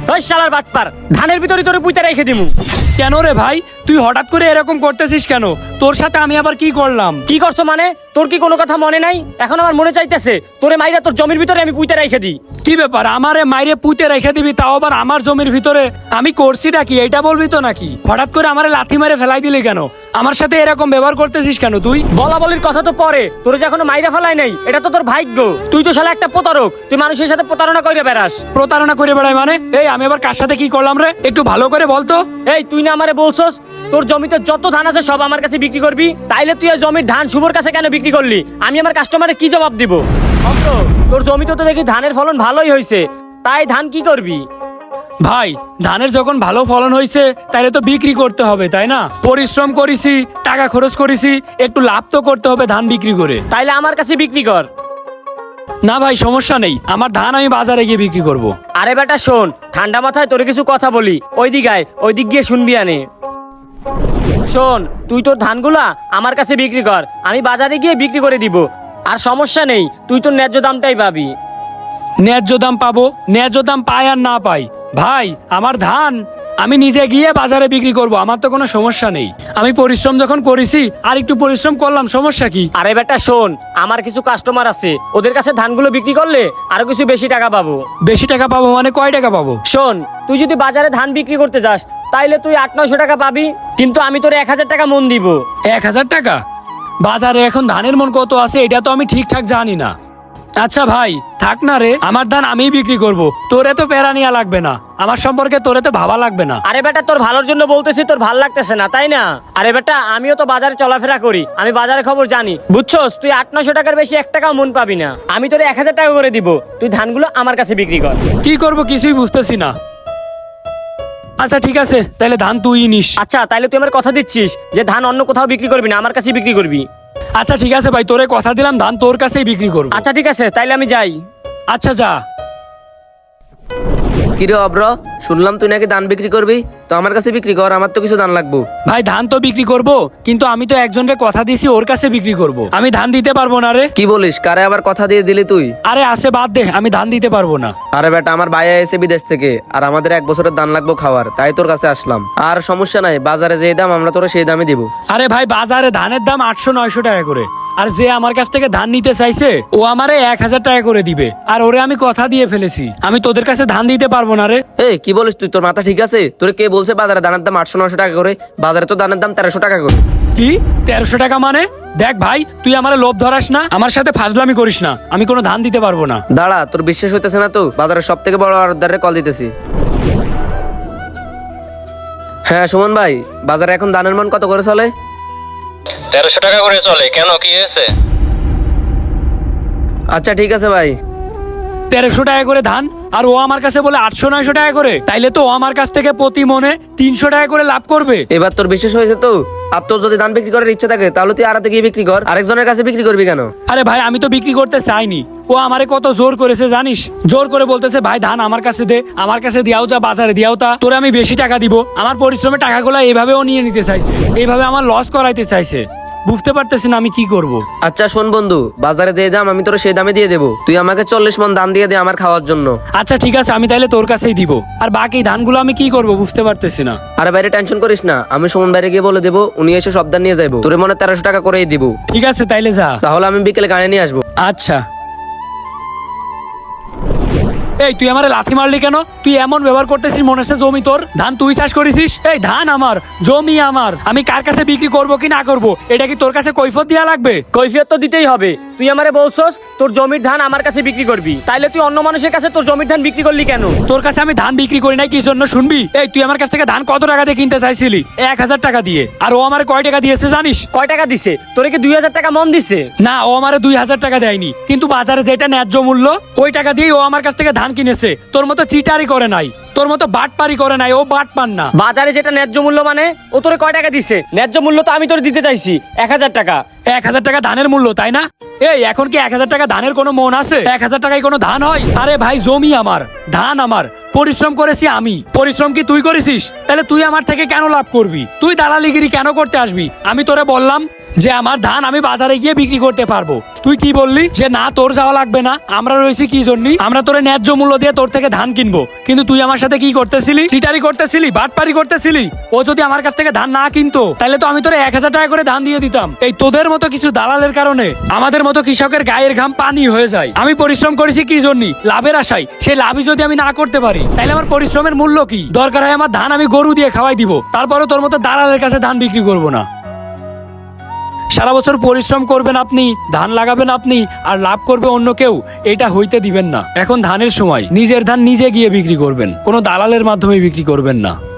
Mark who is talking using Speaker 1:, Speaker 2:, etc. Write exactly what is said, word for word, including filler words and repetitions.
Speaker 1: ওই শালার বাটপার, ধানের ভিতরে তোরে পুঁতে রেখে দিমু।
Speaker 2: কেন রে ভাই, তুই হঠাৎ করে এরকম করতেছিস কেন? তোর সাথে আমি আবার কি করলাম?
Speaker 1: কি করছো মানে? তোর কি কোনো কথা মনে নাই? এখন আমার মনে চাইতেছে তোরে মাইরা তোর জমির ভিতরে আমি পুঁতে রেখে দিই।
Speaker 2: কি ব্যাপার, আমারে মাইরে পুঁতে রেখে দিবি, তাও আবার আমার জমির ভিতরে? আমি করছিটা কি এটা বলবি তো নাকি? হঠাৎ করে আমারে লাথি মেরে ফেলাই দিলি কেন? আমার সাথে এরকম ব্যবহার করতেছিস কেন তুই?
Speaker 1: বলা বলির কথা তো পরে, তোরে যে এখনো মাইরা ফেলাই নাই এটা তো তোর ভাগ্য। তুই তো শালা একটা প্রতারক, তুই মানুষের সাথে প্রতারণা করে বেড়াস।
Speaker 2: প্রতারণা করে বেড়াই মানে? এই আমি আবার কার সাথে কি করলাম রে? একটু ভালো করে বলতো।
Speaker 1: এই তুই না আমারে বলছস তোর জমিতে যত ধান আছে সব আমার কাছে বিক্রি করবি, তাইলে তুই এই জমির ধান শুভর কাছে কেন বিক্রি করলি? আমি আমার কাস্টমারে কি জবাব দিব? অন্ত, তোর জমিতে তো দেখি ধানের ফলন ভালোই হয়েছে, তাই ধান কি করবি?
Speaker 2: ভাই, ধানের যখন ভালো ফলন হয়েছে তাহলে তো বিক্রি করতে হবে, তাই না? পরিশ্রম করেছি, টাকা খরচ করেছি, একটু লাভ তো করতে হবে ধান বিক্রি করে।
Speaker 1: তাইলে আমার কাছে বিক্রি কর।
Speaker 2: না ভাই, সমস্যা নেই, আমার ধান আমি বাজারে গিয়ে বিক্রি করব।
Speaker 1: আরে বেটা শোন, ঠান্ডা মাথায় তোরে কিছু কথা বলি, ওই দিক আয়, ওই দিক গিয়ে শুনবি আনে। শোন, তুই তোর ধানগুলা আমার কাছে বিক্রি কর, আমি বাজারে গিয়ে বিক্রি করে দিব। আর সমস্যা নেই, তুই তোর ন্যায্য দামটাই পাবি।
Speaker 2: ন্যায্য দাম পাবো? ন্যায্য দাম পাই আর না পাই, ভাই আমার ধান আমি নিজে গিয়ে বাজারে বিক্রি করব, আমার তো কোনো সমস্যা নেই। আমি পরিশ্রম যখন করেছি আর একটু পরিশ্রম করলাম, সমস্যা কি?
Speaker 1: আরে বেটা শোন, আমার কিছু কাস্টমার আছে, ওদের কাছে ধানগুলো বিক্রি করলে আরো কিছু বেশি টাকা পাবো।
Speaker 2: বেশি টাকা পাবো মানে কয় টাকা পাবো?
Speaker 1: শোন, তুই যদি বাজারে ধান বিক্রি করতে যাস তাইলে তুই আট নয়শো টাকা পাবি, কিন্তু আমি তোর এক হাজার টাকা মন দিব।
Speaker 2: এক হাজার টাকা? বাজারে এখন ধানের মন কত আছে এটা তো আমি ঠিকঠাক জানি না। আচ্ছা ভাই থাক না রে, আমার ধান আমিই বিক্রি করব, তোরে তো প্যারা নেওয়া লাগবে না, আমার সম্পর্কে তোরে তো ভাবা লাগবে না।
Speaker 1: আরে বেটা তোর ভালোর জন্য বলতেছি, তোর ভাল লাগতেছে না তাই না? আরে বেটা আমিও তো বাজারে চলাফেরা করি, আমি বাজারের খবর জানি, বুঝছস? তুই আট নশো টাকার বেশি এক টাকাও মন পাবি না, আমি তোর এক হাজার টাকা করে দিব, তুই ধানগুলো আমার কাছে বিক্রি কর।
Speaker 2: কি করব কিছুই বুঝতেছি না। আচ্ছা ঠিক আছে, তাহলে ধান তুই নিস।
Speaker 1: আচ্ছা তাইলে তুই আমার কথা দিচ্ছিস যে ধান অন্য কোথাও বিক্রি করবি না, আমার কাছে বিক্রি করবি?
Speaker 2: আচ্ছা ঠিক আছে ভাই, তোরে কথা দিলাম ধান তোর কাছেই বিক্রি করব।
Speaker 1: আচ্ছা ঠিক আছে, তাইলে আমি যাই।
Speaker 2: আচ্ছা যা।
Speaker 3: কিরে অব্র, শুনলাম তুই নাকি ধান বিক্রি করবি, তো আমার কাছে বিক্রি কর, আমার তো কিছু ধান লাগবো।
Speaker 2: ভাই ধান তো বিক্রি করব, কিন্তু আমি তো একজনকে কথা দিয়েছি ওর কাছে বিক্রি করব, আমি ধান দিতে পারবো না রে।
Speaker 3: কি বলিস, কারে আবার কথা দিয়ে দিলি তুই?
Speaker 2: আরে আসে বাদ দে, আমি ধান দিতে পারবো না।
Speaker 3: আরে বেটা, আমার ভাইয়া এসে বিদেশ থেকে, আর আমাদের এক বছরের ধান লাগবো খাওয়ার, তাই তোর কাছে আসলাম। আর সমস্যা নাই, বাজারে যে দাম আমরা তোরা সেই দামে দিব।
Speaker 2: আরে ভাই, বাজারে ধানের দাম আটশো নয়শো টাকা করে, আর যে আমার কাছ থেকে ধান নিতে চাইছে ও আমারে এক হাজার টাকা করে দিবে, আর ওরে আমি কথা দিয়ে ফেলেছি, আমি তোদের কাছে ধান দিতে পারবো না রে।
Speaker 3: এই কি বলিস তুই, তোর মাথা ঠিক আছে? তোর কে বলছে বাজারে ধানের দাম আটশো নশো টাকা করে? বাজারে তো ধানের দাম তেরোশো টাকা করে।
Speaker 2: কি তেরোশো টাকা মানে? দেখ ভাই, তুই আমার লোভ ধরাস না, আমার সাথে ফাজলামি করিস না, আমি কোনো ধান দিতে পারবো না।
Speaker 3: দাঁড়া, তোর বিশ্বাস হইতেছে না তো? বাজারের সব থেকে বড় অর্ডারে কল দিতেছি। হ্যাঁ সুমন ভাই, বাজারে এখন ধানের মান কত করে চলে?
Speaker 4: তেরোশো টাকা করে চলে, কেন কি হয়েছে?
Speaker 3: আচ্ছা ঠিক আছে ভাই।
Speaker 2: তেরোশো টাকা করে ধান, আর ও আমার কাছে বলে আটশো নয়শো টাকা করে, তাইলে তো ও আমার কাছ থেকে প্রতি মনে তিনশো টাকা করে লাভ করবে।
Speaker 3: এবার তোর বিশ্বাস হয়েছে তো? আর তোর যদি ধান বিক্রি করার ইচ্ছা থাকে তাহলে তুই আড়াতে গিয়ে বিক্রি কর, আরেকজনের কাছে বিক্রি করবি কেন?
Speaker 2: আরে ভাই, আমি তো বিক্রি করতে চাইনি, ও আমারে কত জোর করেছে জানিস? জোর করে বলতেছে ভাই ধান আমার কাছে দে, আমার কাছে দিয়াও যা, বাজারে দিয়াও তা, তোরে আমি বেশি টাকা দিব। আমার পরিশ্রমের টাকাগুলো এইভাবে ও নিয়ে নিতে চাইছে, এইভাবে আমার লস করাইতে চাইছে, বুঝতে পারতেছি না আমি কি করব।
Speaker 3: আচ্ছা শোন বন্ধু, বাজারে যে দাম আমি তোর সেই দামে দিয়ে দেবো, তুই আমাকে চল্লিশ মন ধান দিয়ে দে আমার খাওয়ার জন্য।
Speaker 2: আচ্ছা ঠিক আছে, আমি তাইলে তোর কাছেই দিব, আর বাকি ধানগুলো আমি কি করব বুঝতে পারতেছি না।
Speaker 3: আরে বাইরে টেনশন করিস না, আমি সুমন বাইরে গিয়ে বলে দেবো, উনি এসে সব ধান নিয়ে যাবো, তোর মনে তেরোশো টাকা করেই দিব।
Speaker 2: ঠিক আছে তাইলে যা।
Speaker 3: তাহলে আমি বিকেলে গাড়ি নিয়ে আসবো।
Speaker 2: আচ্ছা। এই তুই আমারে লাথি মারলি কেন? তুই এমন ব্যবহার করতেছিস মনে হচ্ছে জমি তোর, ধান তুই চাষ করেছিস। এই ধান আমার, জমি আমার, আমি কার কাছে বিক্রি করব কি না করব এটা কি তোর কাছে কৈফিয়ত দেয়া লাগবে?
Speaker 1: কৈফিয়ত তো দিতেই হবে, তুই আমারে বলছস তোর জমির ধান আমার কাছে বিক্রি করবি, তাইলে তুই অন্য মানুষের কাছে তোর জমির ধান বিক্রি করলি কেন?
Speaker 2: তোর কাছে আমি ধান বিক্রি করি নাই কি জন্য শুনবি? এই তুই আমার কাছ থেকে ধান কত টাকা দিয়ে কিনতে চাইছিলি? এক হাজার টাকা দিয়ে, আর ও আমার কয় টাকা দিয়েছে জানিস?
Speaker 1: কয় টাকা দিছে? তোরে কি দুই হাজার টাকা মন দিছে?
Speaker 2: না, ও আমারে দুই হাজার টাকা দেয়নি, কিন্তু বাজারে যেটা ন্যায্য মূল্য ওই টাকা দিয়েই ও আমার কাছ থেকে ধান কিনেছে। তোর মতো চিটারি করে নাই, তোর মতো বাটপারি করে নাই, ও বাট পান না।
Speaker 1: বাজারে যেটা ন্যায্য মূল্য মানে ও তোরে কয় টাকা দিছে? ন্যায্য মূল্য তো আমি তোর দিতে চাইছি এক হাজার টাকা।
Speaker 2: এক হাজার টাকা ধানের মূল্য, তাই না? এই এখন কি এক হাজার টাকা ধানের কোনো মন আছে? এক হাজার টাকায় কোনো ধান হয়? আরে ভাই, জমি আমার, ধান আমার, পরিশ্রম করেছি আমি, পরিশ্রম কি তুই করেছিস? তাহলে তুই আমার থেকে কেন লাভ করবি? তুই দালালিগিরি কেন করতে আসবি? আমি তোরে বললাম যে আমার ধান আমি বাজারে গিয়ে বিক্রি করতে পারবো। তুই কি বললি যে না তোর যাওয়া লাগবে না, আমরা রয়েছি কি জন্য, আমরা তোরে ন্যায্য মূল্য দিয়ে তোর থেকে ধান কিনবো। কিন্তু তুই আমার সাথে কি করতেছিলি? চিটারি করতেছিলি, বাটপারি করতেছিলি। ও যদি আমার কাছ থেকে ধান না কিনতো তাহলে তো আমি তোরে এক হাজার টাকা করে ধান দিয়ে দিতাম। এই তোদের মতো কিছু দালালের কারণে আমাদের মতো কৃষকের গায়ের ঘাম পানি হয়ে যায়। আমি পরিশ্রম করেছি কি জন্য? লাভের আশায়। সেই লাভই যদি আমি না করতে পারি তাহলে আমার পরিশ্রমের মূল্য কি? দরকার হয় আমার ধান আমি গরু দিয়ে খাওয়াই দিব, তারপরে তোর মতো দালালের কাছে ধান বিক্রি করবো না। সারা বছর পরিশ্রম করবেন আপনি, ধান লাগাবেন আপনি, আর লাভ করবে অন্য কেউ, এটা হইতে দিবেন না। এখন ধানের সময় নিজের ধান নিজে গিয়ে বিক্রি করবেন, কোনো দালালের মাধ্যমে বিক্রি করবেন না।